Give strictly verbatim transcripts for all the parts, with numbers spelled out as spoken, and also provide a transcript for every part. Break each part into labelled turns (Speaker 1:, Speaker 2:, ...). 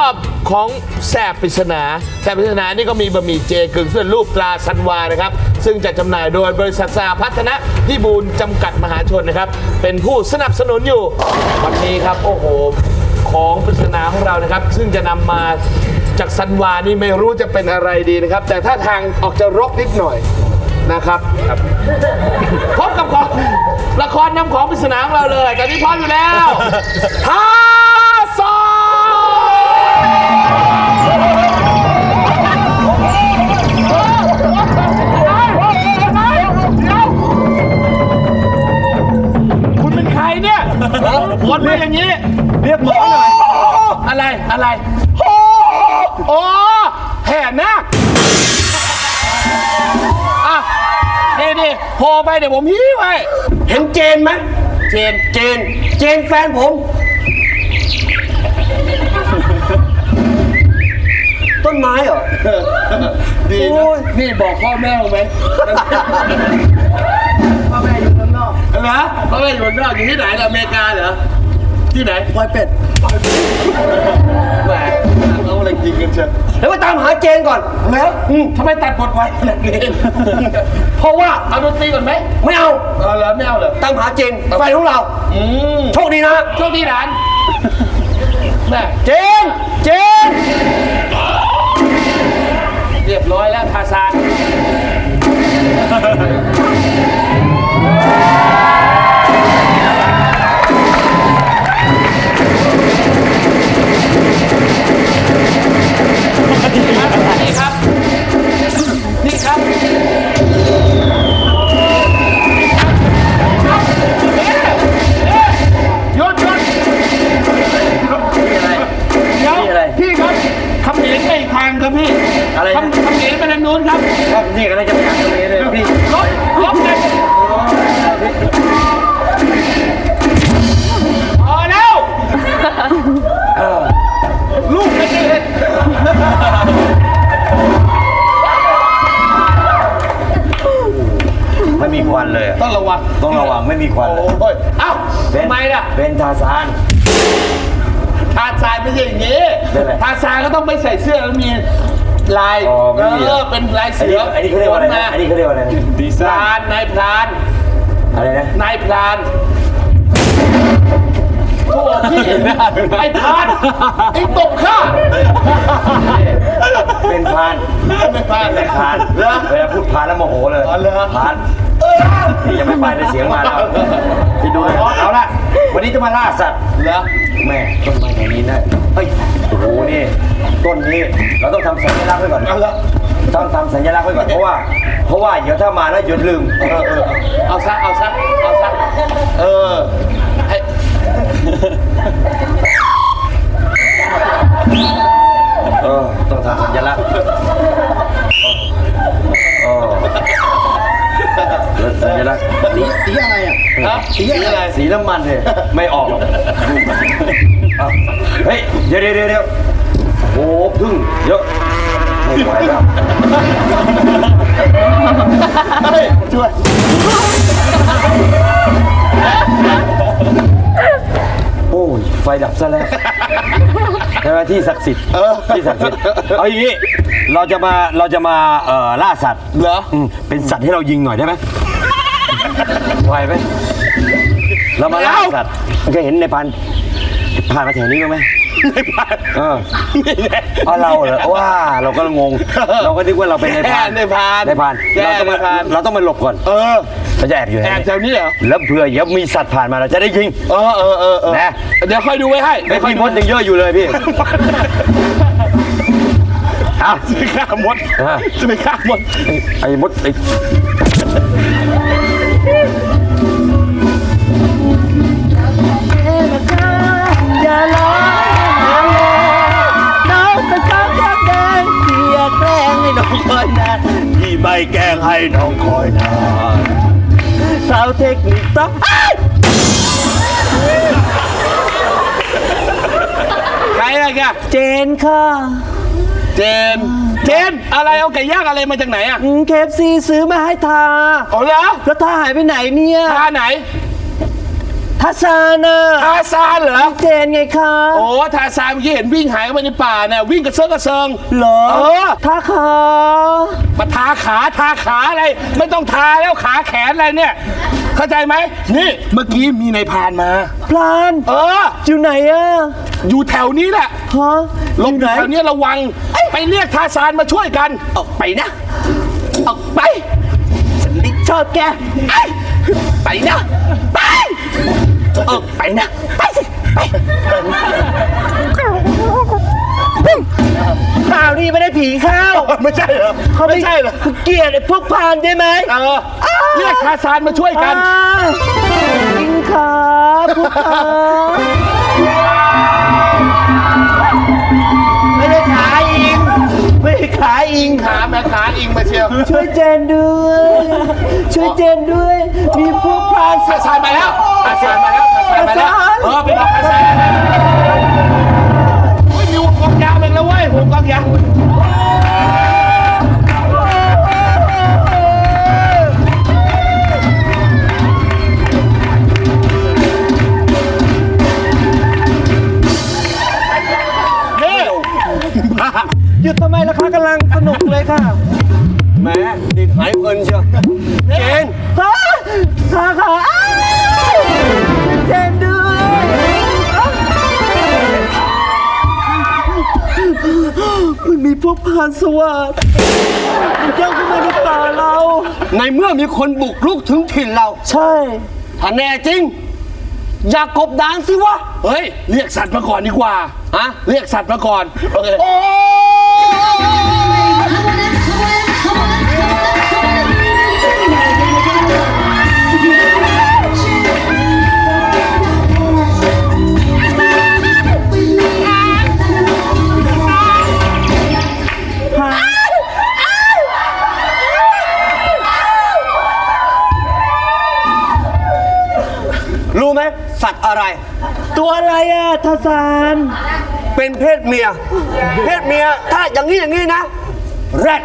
Speaker 1: อบของแสบปริศนาแสบปริศนานี่ก็มีบะหมี่เจกึ่งสำเร็จรูปตราซันวานะครับซึ่งจะจำหน่ายโดยบริษัทสาพัฒนะพิบูลจำกัดมหาชนนะครับเป็นผู้สนับสนุนอยู่วันนี้ครับโอ้โหของปริศนาของเรานะครับซึ่งจะนำมาจากซันวานี่ไม่รู้จะเป็นอะไรดีนะครับแต่ถ้าทางออกจะรกนิดหน่อยนะครับพบกับของละครนำของปริศนาของเราเลยตอนนี้พร้อมอยู่แล้วท้าซอคุณเป็นใครเนี่ยวนมาอย่างนี้เรียกหมอหน่อยอะไรอะไรโอ้แห่นาคอ่ะนี่นี่โผล่ไปเดี๋ยวผมฮี้ไว้เห็นเจนไหมเจนเจนเจนแฟนผมต้นไม้เหรอดีนะนี่บอกพ่อแม่ไหมพ่อแม่อยู่เมืองนอกเหรอพ่อแม่อยู่เมืองนอกอยู่ที่ไหนอเมริกาเหรอที่ไหนปอยเป็ดแหมเราอะไรจริงกันเชียวแล้วมาตามหาเจนก่อนแล้วทำไมตัดบทไว้ขนาดนี้เพราะว่าเอาดนตรีก่อนไหมไม่เอาเออแล้วไม่เอาเหรอตามหาเจนแฟนของเราโชคดีนะโชคดีหลานแม่เจนเจนเรียบร้อยแล้วทาซานนี่ครับนี่ครับหยุดหยุดอะไรเดี๋ยวพี่ครับคำเหนียนไปอีกทางครับพี่อะไรคำคำเหนียนไปทางนู้นครับนี่ก็ได้จะไปทางนี้เลยพี่ลบลบเลยพอแล้วลูกไม่ได้เล่น
Speaker 2: ไม่มีควันเลย
Speaker 1: ต้องระวัง
Speaker 2: ต้องระวังไม่มีควันเลย
Speaker 1: เอ้าทำไมล่ะ
Speaker 2: เป็นทาซาน
Speaker 1: ทาซานไม่ใช่อย่างนี้ทาซานก็ต้องไม่ใส่เสื้อแล้วมีลายเออเป็นลายเสือ
Speaker 2: อันนี้เขาเรียกว่าอะไรอันนี้เขาเรียกว่าอะไร
Speaker 1: ดีไซน์นายพราน
Speaker 2: อะไรนะ
Speaker 1: นายพรานโอ้พี่ไอ้พรานไอ้ตบข้า
Speaker 2: เป็นพราน
Speaker 1: เป็นพราน
Speaker 2: เป็นพรานเวลาพูดพรานแล้วโมโหเลยพรานพี่ยังไม่ไปในเสียงมาแล้วพี่ดูเลยเอาละวันนี้จะมาล่าสัตว์
Speaker 1: เหรอ
Speaker 2: แม่ต้นไม้แถวนี้นะเฮ้ยโอ้โหนี่ต้นนี้เราต้องทำสัญลักษณ์ไว้ก่อนต้องทำสัญลักษณ์ไว้ก่อนเพราะว่าเพราะว่าเดี๋ยวถ้ามาแล้วหยุดลืม
Speaker 1: เออเออเอาซะเอาซะเอาซะเออให้
Speaker 2: เออต้องทำสัญลักษณ์เออสัญลักษณ์
Speaker 1: สีสีอะไรอ่ะฮะสีอะไร
Speaker 2: สีน้ำมันเลยไม่ออกเฮ้ยเดี๋ยวเดี๋ยวเดี๋ยวโอ้พึ่งเยอะไม่ไหวแล้ว
Speaker 1: เฮ้ยช่วย
Speaker 2: โอ้ยไฟดับซะแล้วใช่ไหมที่ศักดิ์สิทธิ์ที่ศักดิ์สิทธิ์เอาอย่างนี้เราจะมาเราจะมาเอ่อล่าสัตว์
Speaker 1: เหรอ
Speaker 2: เป็นสัตว์ให้เรายิงหน่อยได้ไหมไหวไหมเรามาล่าสัตว์เคยเห็นในพันผ่านมาแถวนี้บ้างไหม
Speaker 1: ไม่ผ่าน
Speaker 2: เออเพราะเราเหรอว่าเราก็งงเราก็นึกว่าเราเป็นในพัน
Speaker 1: ในพัน
Speaker 2: ในพันเราต้องมาเราต้องมาหลบก่อน
Speaker 1: เออ
Speaker 2: เราจะแอบอยู่
Speaker 1: แอบแถวนี้เหรอ
Speaker 2: แล้วเผื่อเดี๋ยวมีสัตว์ผ่านมาเราจะได้ยิง
Speaker 1: เออเออเออนะเดี๋ยวค่อยดูไว้ให้
Speaker 2: ไม่ค่อยมดยังเยอะอยู่เลยพี่
Speaker 1: อ้าวจะไปฆ่ามดจะไปฆ่ามด
Speaker 2: ไอ้มดไอ้
Speaker 3: อย่าร้องน้องเป็นสาวแก้มแดงที่อยากแกล้งให้น้องคอยนานที่ไม่แกล้งให้น้องคอยนานสาวเทคนิคต้อง
Speaker 1: ใครอะไรแก
Speaker 3: เจนค่ะ
Speaker 1: เจนเจนอะไรเอาไก่ย่างอะไรมาจากไหนอ่ะ
Speaker 3: เคฟซีซื้อมาให้ทา
Speaker 1: อ๋อเหรอ
Speaker 3: แล้วทาหายไปไหนเนี่ย
Speaker 1: ทาไหน
Speaker 3: ทาซานน่ะ
Speaker 1: ทาซานเหรอ
Speaker 3: เจนไงคะ
Speaker 1: โอ้ทาซานเมื่อกี้เห็นวิ่งหายเข้าไปในป่าเนี่ยวิ่งกระเซิงกระเซิง
Speaker 3: เหรอ
Speaker 1: เออ
Speaker 3: ทาขา
Speaker 1: มาทาขาทาขาอะไร ไม่ต้องทาแล้วขาแขนอะไรเนี่ย เข้าใจไหมนี่เมื่อกี้มีนายพรานมา
Speaker 3: พลาน
Speaker 1: เออ
Speaker 3: อยู่ไหนอะ
Speaker 1: อยู่แถวนี้แหละ
Speaker 3: ฮะ
Speaker 1: หลบอยู่แถวนี้ระวัง ไปเรียกทาซานมาช่วยกัน
Speaker 3: ออกไปนะออกไปฉันไม่ชอบแกไอ้ไปนะไปออกไปนะไปสิไปข่าวนี้ไม่ได้ผีเข้า
Speaker 1: ไม่ใช่เหรอ
Speaker 3: เขา
Speaker 1: ไม่ใช่เหรอ
Speaker 3: เกลียดไอ้พวกพานใช่ไหม
Speaker 1: เออเรียกทาซานมาช่วยกัน
Speaker 3: อ่าจริงครับพวกขาไม่ได้ขาอิงไม่ได้ขาอิง
Speaker 1: ขาแม่ขาอิงมาเชียว
Speaker 3: ช่วยเจนด้วย ช่วยเจนด้วย มีพวกพราน
Speaker 1: ทาซานมาแล้วทาซานมาแล้วทาซานมาแล้ว เออไปบอกทาซานเฮ้ยมีวงกองยาวเองแล้วเว้ยวงกองยาวนี่
Speaker 3: หยุดทำไมล่ะคะกำลังสนุกเลยค่ะ
Speaker 2: แหมดิดหายเพลินเชียวเจน
Speaker 3: ฮะขาขาอ้าวเจนด้วยมันมีพวกพรานสวัสดย่องเข้ามาในป่าเรา
Speaker 2: ในเมื่อมีคนบุกรุกถึงถิ่นเรา
Speaker 3: ใช่
Speaker 2: ถ้าแน่จริง อย่ากบดานสิวะ
Speaker 1: เฮ้ย เรียกสัตว์มาก่อนดีกว่า
Speaker 2: ฮะ
Speaker 1: เรียกสัตว์มาก่อน โอเค
Speaker 2: โอ้ รู้ไหมสัตว์อะไร
Speaker 3: ตัวอะไรอะทาซาน
Speaker 2: เป็นเพศเมีย เพศเมีย ถ้าอย่างนี้อย่างนี้นะ แรด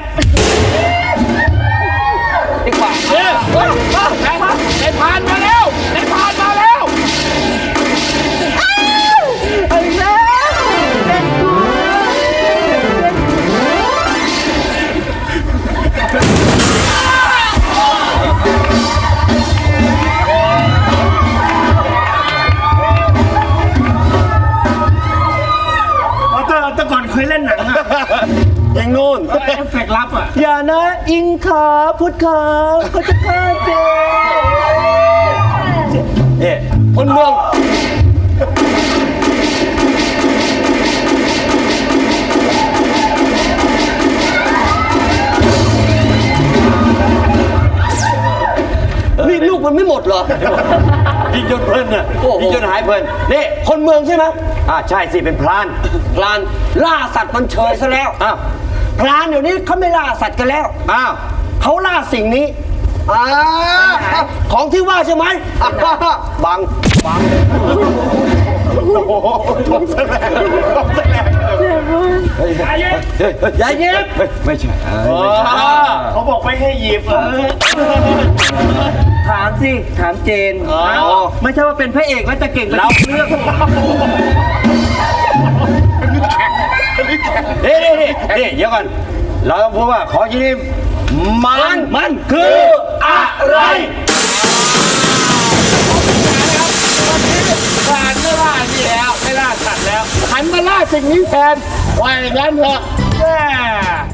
Speaker 2: ดีกว่า
Speaker 1: เฮ้ยเฮ้ยนายนายพรานมาแล้วนายพรานมาแล้ว
Speaker 3: ไอ้แม่เป็นกูแต่ก่อนเคยเล่นหนังอะ
Speaker 2: ยิงนู่น
Speaker 1: เอฟเฟกต์ลับอ่ะ
Speaker 3: อย่านะอิงขาพุทธขาเขาจะฆ่าเจ
Speaker 2: เอ๊ะคนเมืองนี่ลูกมันไม่หมดเหรอ ยิงจนเพลินน่ะยิงจนหายเพลินนี่คนเมืองใช่ไหมอ่าใช่สิเป็นพรานพรานล่าสัตว์มันเฉยซะแล้วอ้าวพรานเดี๋ยวนี้เขาไม่ล่าสัตว์กันแล้วอ้าวเขาล่าสิ่งนี้อ่าของที่ว่าใช่ไหมอ่าบังบังอย่าเย็บไม่ใช่
Speaker 3: เขาบอกไม่ให้หยิบเออถามสิ ถามเจน ไม่ใช่ว่าเป็นพระเอกแล้วจะเก่งไปทุกเรื่อง
Speaker 2: นี่นี่นี่นี่เดี๋ยวก่อนเราต้องพูดว่าขอที่นี่มันมันคืออะไร
Speaker 1: พรานไม่ล่านี่แล้ว ไม่ล่าสัตว์แล้ว หันมาล่าสิ่งนี้แทนว่าอย่างนั้นเถอะแม่